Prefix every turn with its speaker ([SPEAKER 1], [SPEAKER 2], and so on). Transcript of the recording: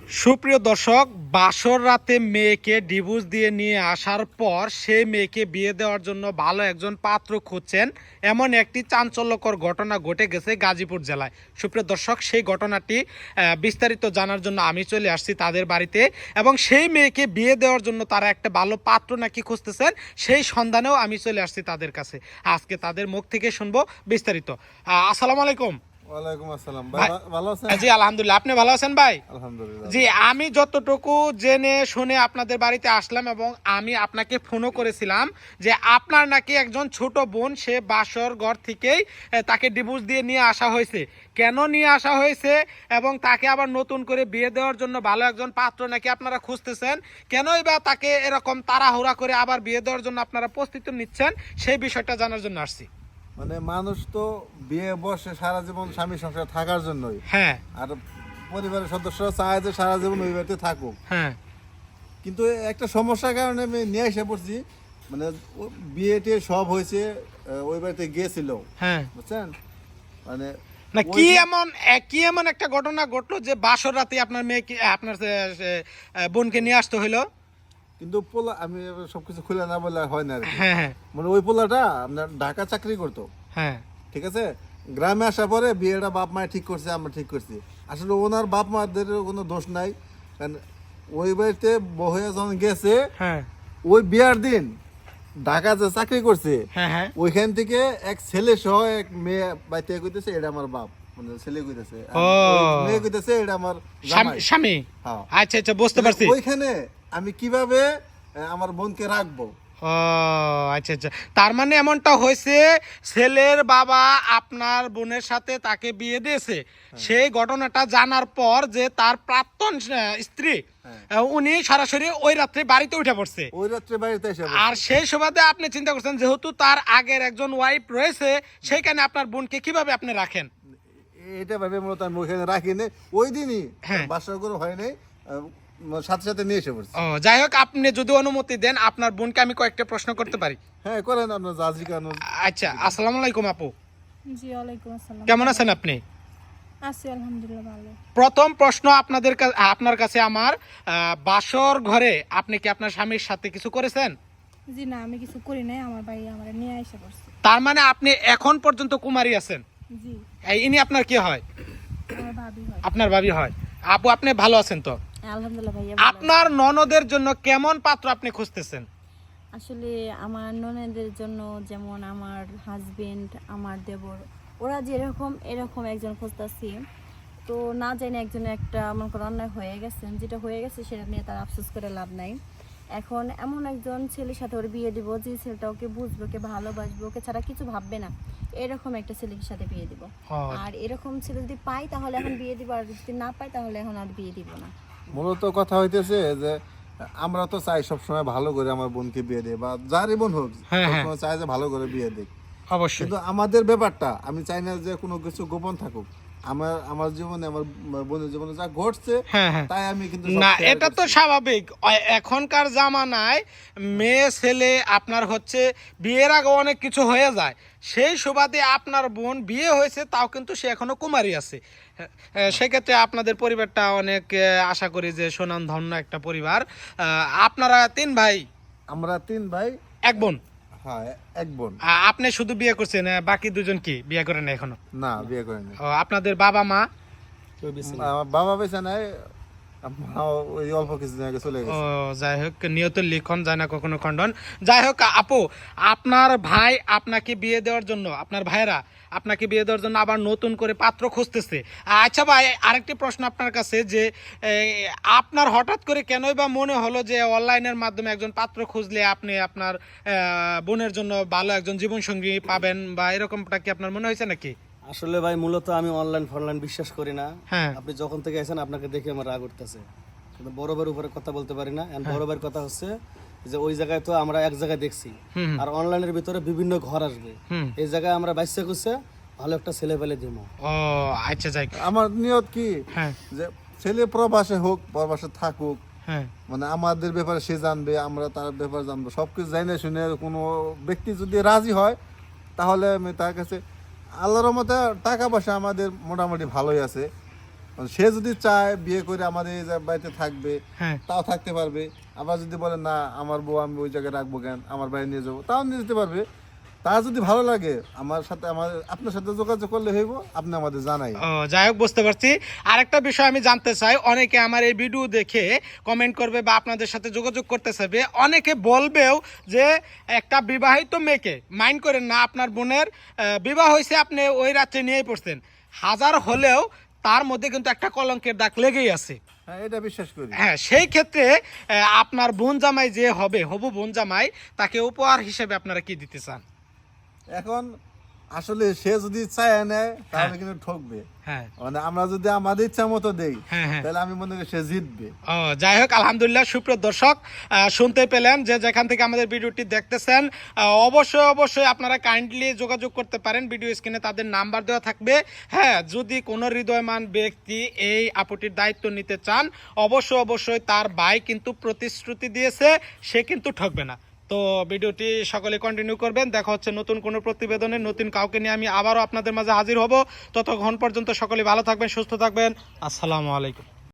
[SPEAKER 1] সুপ্রিয় দর্শক, বাসর রাতে মেয়েকে ডিভোর্স দিয়ে নিয়ে আসার পর সেই মেয়েকে বিয়ে দেওয়ার জন্য ভালো একজন পাত্র খুঁজছেন, এমন একটি চাঞ্চল্যকর ঘটনা ঘটে গেছে গাজীপুর জেলায়। সুপ্রিয় দর্শক, সেই ঘটনাটি বিস্তারিত জানার জন্য আমি চলে আসছি তাদের বাড়িতে, এবং সেই মেয়েকে বিয়ে দেওয়ার জন্য তারা একটা ভালো পাত্র নাকি খুঁজতেছেন, সেই সন্ধানেও আমি চলে আসছি তাদের কাছে। আজকে তাদের মুখ থেকে শুনবো বিস্তারিত। আসসালামু আলাইকুম।
[SPEAKER 2] ওয়ালাইকুম আসসালাম ভাই, ভালো আছেন?
[SPEAKER 1] জি আলহামদুলিল্লাহ, আপনি ভালো আছেন ভাই?
[SPEAKER 2] আলহামদুলিল্লাহ।
[SPEAKER 1] জি, আমি যতটুকু জেনে শুনে আপনাদের বাড়িতে আসলাম, এবং আমি আপনাকে ফোনও করেছিলাম যে আপনার নাকি একজন ছোট বোন, সে বাসর ঘর থেকেই তাকে ডিভোর্স দিয়ে নিয়ে আসা হয়েছে। কেন নিয়ে আসা হয়েছে এবং তাকে আবার নতুন করে বিয়ে দেওয়ার জন্য ভালো একজন পাত্র নাকি আপনারা খুঁজতেছেন, কেনই বা তাকে এরকম তাড়াহুড়া করে আবার বিয়ে দেওয়ার জন্য আপনারা প্রস্তুতি নিচ্ছেন, সেই বিষয়টা জানার জন্য আসছি।
[SPEAKER 2] মানে মানুষ তো বিয়ে বসে সারা জীবন স্বামী সংসার থাকার জন্যই।
[SPEAKER 1] হ্যাঁ
[SPEAKER 2] আর পরিবারের সদস্যরা চায় যে সারা জীবন ওই বাড়িতে থাকুক।
[SPEAKER 1] হ্যাঁ।
[SPEAKER 2] কিন্তু একটা সমস্যার কারণে আমি নিয়ে এসে পড়ছি। মানে বিয়েতে সব হয়েছে, ওই বাড়িতে গিয়েছিল।
[SPEAKER 1] হ্যাঁ,
[SPEAKER 2] বুঝছেন? মানে
[SPEAKER 1] না
[SPEAKER 2] ওই
[SPEAKER 1] কি
[SPEAKER 2] যে-
[SPEAKER 1] এমন কি এমন একটা ঘটনা ঘটলো যে বাসর রাতে আপনার মেয়েকে আপনার বোনকে নিয়ে আসতে হইলো?
[SPEAKER 2] কিন্তু পোলা আমি সবকিছু খুলে না বলে হয় না আর কি।
[SPEAKER 1] হ্যাঁ হ্যাঁ
[SPEAKER 2] মানে ওই পোলাটা আপনার ঢাকা চাকরি করতো।
[SPEAKER 1] হ্যাঁ।
[SPEAKER 2] ঠিক আছে, গ্রামে আসার পরে বিয়েটা বাপ মায় ঠিক করছে, আমরা ঠিক করছি। আসলে ওনার বাপ মাদের কোনো দোষ নাই, কারণ ওই বাড়িতে বউ যখন গেছে
[SPEAKER 1] হ্যাঁ
[SPEAKER 2] ওই বিয়ার দিন ঢাকা যে চাকরি করছে
[SPEAKER 1] হ্যাঁ হ্যাঁ।
[SPEAKER 2] ওইখান থেকে এক ছেলে সহ এক মেয়ে বাড়িতে কইতেছে এটা আমার বাপ, মানে ছেলে কইতেছে, আর
[SPEAKER 1] ও।
[SPEAKER 2] ওই মেয়ে কইতেছে এটা আমার জামাই।
[SPEAKER 1] স্বামী।
[SPEAKER 2] হ্যাঁ।
[SPEAKER 1] আচ্ছা আচ্ছা, বুঝতে পারছি।
[SPEAKER 2] ওইখানে আমি কিভাবে আমার বোনকে রাখবো?
[SPEAKER 1] ও আচ্ছা আচ্ছা, তার মানে এমনটা হয়েছে, ছেলের বাবা আপনার বোনের সাথে তাকে বিয়ে দিয়েছে, সেই ঘটনাটা জানার পর যে তার প্রাক্তন স্ত্রী, উনি সরাসরি ওই রাত্রে বাড়িতে উঠে পড়ছে।
[SPEAKER 2] ওই রাত্রে বাড়িতে এসে
[SPEAKER 1] আর সেই সুবাদে আপনি চিন্তা করছেন যেহেতু তার আগের একজন ওয়াইফ রয়েছে, সেইখানে আপনার বোনকে কিভাবে আপনি রাখেন?
[SPEAKER 2] এটা ভাবে মূলত আমি ওখানে রাখিনি। ওই দিনই
[SPEAKER 1] হ্যাঁ।
[SPEAKER 2] বাসা করে হয় নাই, সাথে সাথে নিয়ে এসে পড়ছি।
[SPEAKER 1] ও যাই হোক, আপনি যদি অনুমতি দেন আপনার বোনকে আমি কয়েকটা প্রশ্ন করতে পারি?
[SPEAKER 2] হ্যাঁ করেন, আপনার জাজি কেন?
[SPEAKER 1] আচ্ছা, আসসালামু আলাইকুম আপু।
[SPEAKER 3] জি ওয়ালাইকুম আসসালাম।
[SPEAKER 1] কেমন আছেন আপনি?
[SPEAKER 3] আছি আলহামদুলিল্লাহ ভালো।
[SPEAKER 1] প্রথম প্রশ্ন আপনার কাছে আমার, বাসর ঘরে আপনি কি আপনার স্বামীর সাথে কিছু করেছেন?
[SPEAKER 3] জি না, আমি কিছু করি নাই, আমার ভাই আমার নিয়ে এসে করছে।
[SPEAKER 1] তার মানে আপনি এখন পর্যন্ত কুমারী আছেন?
[SPEAKER 3] জি,
[SPEAKER 1] ইনি আপনার কি হয়?
[SPEAKER 3] আমার ভাবি হয়।
[SPEAKER 1] আপনার ভাবি হয়। আপু আপনি ভালো আছেন তো?
[SPEAKER 3] আলহামদুলিল্লাহ ভাইয়া ভালো আছি।
[SPEAKER 1] আপনার ননদের জন্য কেমন পাত্র আপনি খুঁজতেছেন?
[SPEAKER 4] আসলে আমার ননদের জন্য যেমন আমার হাজবেন্ড, আমার দেবর, ওরা যেরকম এরকম একজন খুঁজতেছি। তো না জানি একজনের একটা মনে করো অন্যায় হয়ে গেছে, যেটা হয়ে গেছে সেটা নিয়ে তার আফসোস করে লাভ নাই। এখন এমন একজন ছেলের সাথে ওর বিয়ে দিব যে ছেলেটা ওকে বুঝবে, ওকে ভালোবাসবে, ওকে ছাড়া কিছু ভাববে না, এরকম একটা ছেলের সাথে বিয়ে দিব। আর এরকম ছেলে যদি পাই তাহলে এখন বিয়ে দিব, আর যদি না পাই তাহলে এখন আর বিয়ে দিব না।
[SPEAKER 2] মূলত কথা হইতেছে যে আমরা তো চাই সবসময় ভালো করে আমার বোনকে বিয়ে দেয়, বা যারই বোন হোক
[SPEAKER 1] হ্যাঁ, হ্যাঁ।
[SPEAKER 2] সবসময় চাই যে ভালো করে বিয়ে দেয়।
[SPEAKER 1] অবশ্যই।
[SPEAKER 2] কিন্তু আমাদের ব্যাপারটা আমি চাই না যে কোনো কিছু গোপন থাকুক। আমার জীবনে, আমার বোনের জীবনে যা ঘটছে
[SPEAKER 1] হ্যাঁ হ্যাঁ।
[SPEAKER 2] তাই আমি কিন্তু সব
[SPEAKER 1] না,
[SPEAKER 2] share
[SPEAKER 1] এটা তো
[SPEAKER 2] করছি।
[SPEAKER 1] স্বাভাবিক। এখনকার জামানায় মেয়ে ছেলে আপনার হচ্ছে বিয়ের আগে অনেক কিছু হয়ে যায়, সেই সুবাদে আপনার বোন বিয়ে হয়েছে, তাও কিন্তু সে এখনো কুমারী আছে। সেক্ষেত্রে আপনাদের পরিবারটা অনেক আশা করি যে সুনামধন্য একটা পরিবার। আপনারা 3 ভাই,
[SPEAKER 2] আমরা 3 ভাই,
[SPEAKER 1] এক বোন।
[SPEAKER 2] হ্যাঁ এক বোন।
[SPEAKER 1] আপনি শুধু বিয়ে করছেন, বাকি দুজন কি বিয়ে করেন এখনো?
[SPEAKER 2] না, বিয়ে করেনি।
[SPEAKER 1] আপনাদের বাবা মা?
[SPEAKER 2] আমার বাবা বেঁচে নাই, মা ওই অল্প কিছুদিন আগে চলে
[SPEAKER 1] ও
[SPEAKER 2] গেছে।
[SPEAKER 1] যাই হোক, নিয়ত লিখন যায় না কখনো খণ্ডন। যাই হোক আপু, আপনার ভাই আপনাকে বিয়ে দেওয়ার জন্য, আপনার ভাইরা আপনাকে বিয়ে দেওয়ার জন্য আবার নতুন করে পাত্র খুঁজতেছে। আচ্ছা ভাই, আরেকটি প্রশ্ন আপনার কাছে যে আপনার হঠাৎ করে কেনই বা মনে হলো যে অনলাইনের মাধ্যমে একজন পাত্র খুঁজলে আপনি আপনার বোনের জন্য ভালো একজন জীবনসঙ্গী পাবেন, বা এরকমটা কি আপনার মনে হয়েছে নাকি?
[SPEAKER 5] আসলে ভাই মূলত আমি অনলাইন ফনলাইন বিশ্বাস করি না।
[SPEAKER 1] হ্যাঁ।
[SPEAKER 5] আপনি যখন থেকে আছেন আপনাকে দেখে আমার রাগ উঠতেছে, কিন্তু বড় ভাইয়ের উপরে কথা বলতে পারি না। বড় ভাইয়ের কথা হচ্ছে যে ওই জায়গায় তো আমরা এক জায়গায় দেখছি, আর অনলাইনের ভিতরে বিভিন্ন ঘর আসবে, এই জায়গায় আমরা বাইসে করছে ভালো একটা ছেলে পেলে দিব।
[SPEAKER 1] ও আচ্ছা, যাই।
[SPEAKER 2] আমার নিয়ত কি
[SPEAKER 1] হ্যাঁ
[SPEAKER 2] যে ছেলে প্রবাসে হোক, প্রবাসে থাকুক,
[SPEAKER 1] হ্যাঁ
[SPEAKER 2] মানে আমাদের ব্যাপারে সে জানবে, আমরা তার ব্যাপারে জানবো, সবকিছু জানে শুনে কোনো ব্যক্তি যদি রাজি হয় তাহলে আমি তার কাছে, আল্লাহর রহমতে টাকা পয়সা আমাদের মোটামুটি ভালোই আছে। সে যদি চায় বিয়ে করে আমাদের এই বাড়িতে থাকবে,
[SPEAKER 1] হ্যাঁ
[SPEAKER 2] তাও থাকতে পারবে। আবার যদি বলে না আমার বউ আমি ওই জায়গায় রাখবো কেন, আমার বাড়ি নিয়ে যাবো, তাও নিয়ে যেতে পারবে। তার যদি ভালো লাগে আমার সাথে আপনার সাথে যোগাযোগ করলে হইব, আপনি আমাদের জানাই।
[SPEAKER 1] ও যাই হোক, বুঝতে পারছি। আরেকটা বিষয় আমি জানতে চাই, অনেকে আমার এই ভিডিও দেখে কমেন্ট করবে বা আপনাদের সাথে যোগাযোগ করতে চাইবে, অনেকে বলবেও যে একটা বিবাহিত মেয়েকে মাইন্ড করেন না, আপনার বোনের বিবাহ হয়েছে, আপনি ওই রাত্রে নিয়েই পড়ছেন, হাজার হলেও তার মধ্যে কিন্তু একটা কলঙ্কের দাগ লেগেই আছে।
[SPEAKER 2] হ্যাঁ, এটা বিশ্বাস করি।
[SPEAKER 1] হ্যাঁ, সেই ক্ষেত্রে আপনার বোন জামাই যে হবে, হবু বোন জামাই, তাকে উপহার হিসেবে আপনারা কি দিতে চান?
[SPEAKER 2] এখন আসলে সে যদি চায় নেয় তাহলে কিন্তু ঠকবে।
[SPEAKER 1] হ্যাঁ
[SPEAKER 2] মানে আমরা যদি আমাদের ইচ্ছা মতো দেই,
[SPEAKER 1] হ্যাঁ হ্যাঁ।
[SPEAKER 2] তাহলে আমি মনে করি সে জিতবে।
[SPEAKER 1] ও যাই হোক, আলহামদুলিল্লাহ। সুপ্রিয় দর্শক, শুনতে পেলেন যে যেখান থেকে আমাদের ভিডিওটি দেখতেছেন, অবশ্যই আপনারা কাইন্ডলি যোগাযোগ করতে পারেন, ভিডিও স্ক্রিনে তাদের নাম্বার দেওয়া থাকবে। হ্যাঁ, যদি কোনো হৃদয়মান ব্যক্তি এই আপুটির দায়িত্ব নিতে চান, অবশ্যই তার ভাই কিন্তু প্রতিশ্রুতি দিয়েছে, সে কিন্তু ঠকবে না। তো ভিডিওটি সকলে কন্টিনিউ করবেন। দেখা হচ্ছে নতুন কোনো প্রতিবেদনে, নতুন কাউকে নিয়ে আমি আবারও আপনাদের মাঝে হাজির হব। ততক্ষণ পর্যন্ত সকলে ভালো থাকবেন, সুস্থ থাকবেন। আসসালামু আলাইকুম।